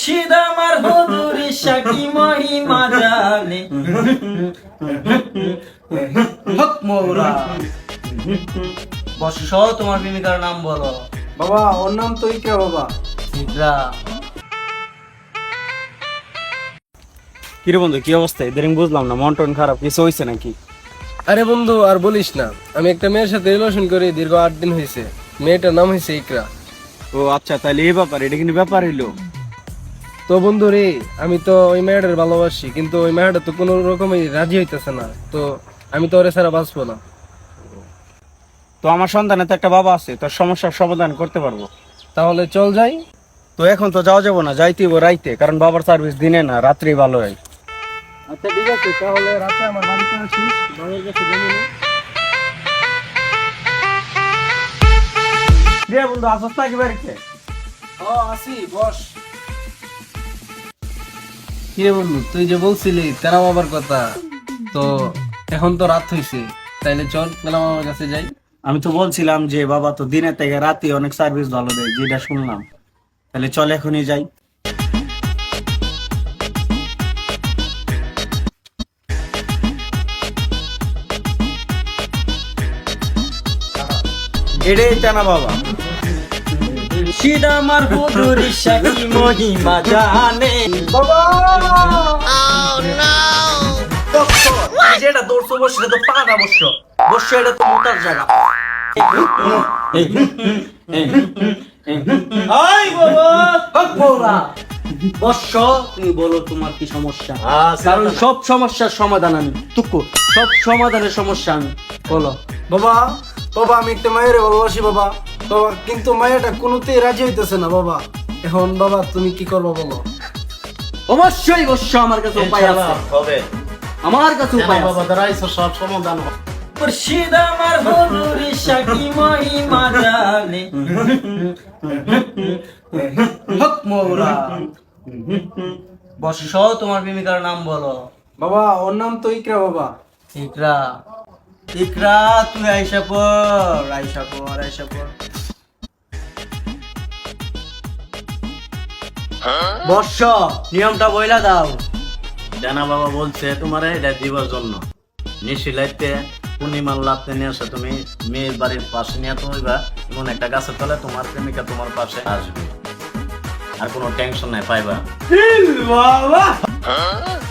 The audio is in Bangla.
মুর্শিদ আমার হুজুর শাকি মহিমা জানে হক মৌরা বর্ষ তোমার প্রেমিকার নাম বলো। বাবা ওর নাম তো ইকরা বাবা। ইকরা। কিরে বন্ধু কি অবস্থা? এদের বুঝলাম না, মন টন খারাপ, কিছু হয়েছে নাকি? আরে বন্ধু আর বলিস না, আমি একটা মেয়ের সাথে রিলেশন করি দীর্ঘ 8 দিন হয়েছে। মেয়েটার নাম হয়েছে ইকরা। ও আচ্ছা, তাহলে এই ব্যাপার, এটা কিন্তু ব্যাপার হইলো। তো বন্ধু রে, আমি তো ওই মেয়েটার ভালোবাসি, কিন্তু ওই মেয়েটা তো কোনো রকমই রাজি হইতেছে না। তো আমি তো ওরে ছাড়া বাঁচবো না। তো আমার সন্তানের তো একটা বাবা আছে, তোর সমস্যার সমাধান করতে পারবো। তাহলে চল যাই। তো এখন তো যাওয়া যাবো না, যাইতেই রাইতে, কারণ বাবার সার্ভিস দিনে না, রাত্রি ভালো হয়। আচ্ছা ঠিক আছে, তাহলে রাতে আমার বাড়িতে আসিস, বাবার কাছে জানি না। রে বন্ধু আসস নাকি বাড়িতে? ও আসি, বস। কিরে বন্ধু, তুই যে বলছিলি তেরা বাবার কথা, তো এখন তো রাত হইছে, তাইলে চল তেরা বাবার কাছে যাই। আমি তো বলছিলাম যে বাবা তো দিনে থেকে রাতে অনেক সার্ভিস ভালো দেয়, যেটা শুনলাম। তাহলে চল এখনই যাই। এটাই টানা বাবা। মুর্শিদ আমার হুজুর শাকি মহিমা জানে যেটা দৌড়ছো বসে তো পাকা বসছ বসছ, এটা তো মোটার জায়গা। আই বাবা হক মৌরা বর্ষ তুমি বলো তোমার কি সমস্যা, কারণ সব সমস্যার সমাধান আমি টুকু, সব সমাধানের সমস্যা আমি বলো। বাবা, বাবা আমি একটা মায়ের ভালোবাসি বাবা, বাবা কিন্তু মায়েরটা কোনোতেই রাজি হইতেছে না বাবা। এখন বাবা তুমি কি করবো বলো? অবশ্যই বর্ষ আমার কাছে উপায় আছে, হবে আমার কাছে উপায় আছে। দাঁড়াইছো, সব সমাধান হবে। মুর্শিদ আমার হুজুর শাকি মহিমা জানে হক মৌরা বর্ষ তোমার প্রেমিকার নাম বলো। বাবা ওর নাম তো ইকরা বাবা। ইকরা। ইকরা তুই আইসা পর, আইসা পর, আইসা পর। বর্ষ নিয়মটা বইলা দাও। জানা বাবা বলছে তোমার এটা দিবার জন্য নিশিলাইতে পূর্ণিমার লাভতে নিয়ে আসে, তুমি মেয়ের বাড়ির পাশে নিয়ে তো হইবা, এমন একটা গাছের তলে তোমার প্রেমিকা তোমার পাশে আসবে, আর কোনো টেনশন নাই পাইবা। বাবা